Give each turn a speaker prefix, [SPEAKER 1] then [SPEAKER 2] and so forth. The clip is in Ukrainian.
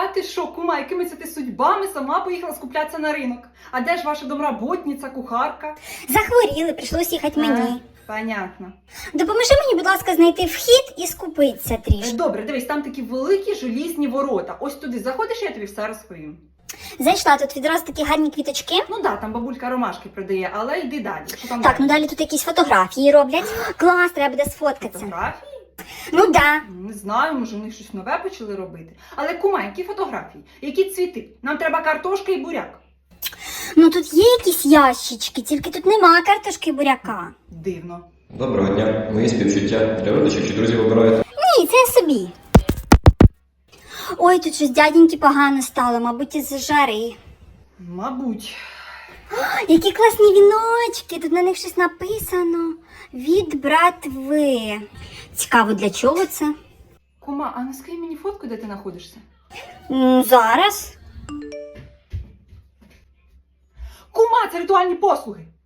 [SPEAKER 1] ти що, кума, якими це ти судьбами сама поїхала скуплятися на ринок? А де ж ваша домработниця, кухарка?
[SPEAKER 2] Захворіли, прийшлось їхати мені.
[SPEAKER 1] Понятно.
[SPEAKER 2] Допоможи мені, будь ласка, знайти вхід і скупитися трішки.
[SPEAKER 1] Добре, дивись, там такі великі желізні ворота. Ось туди заходиш, я тобі все розповім.
[SPEAKER 2] Зайшла, тут відразу такі гарні квіточки.
[SPEAKER 1] Ну да, там бабулька ромашки продає, але йди далі. Що там
[SPEAKER 2] Так, ну далі тут якісь фотографії роблять. Клас, треба буде сфоткатися.
[SPEAKER 1] Фотографії?
[SPEAKER 2] Ну да.
[SPEAKER 1] Не знаю, може вони щось нове почали робити. Але кума, які фотографії? Які цвіти? Нам треба картошка і буряк.
[SPEAKER 2] Ну тут є якісь ящички, тільки тут нема картошки і буряка.
[SPEAKER 1] Дивно.
[SPEAKER 3] Доброго дня. Мої співчуття. Для родичів чи друзів обираєте?
[SPEAKER 2] Ні, це я собі. Ой, тут щось дяденьки погано стало, мабуть, із жари.
[SPEAKER 1] Мабуть.
[SPEAKER 2] Які класні віночки, тут на них щось написано. Від братви. Цікаво, для чого це?
[SPEAKER 1] Кума, а не скинь мені фотку, де ти знаходишся?
[SPEAKER 2] Зараз.
[SPEAKER 1] Кума, це ритуальні послуги.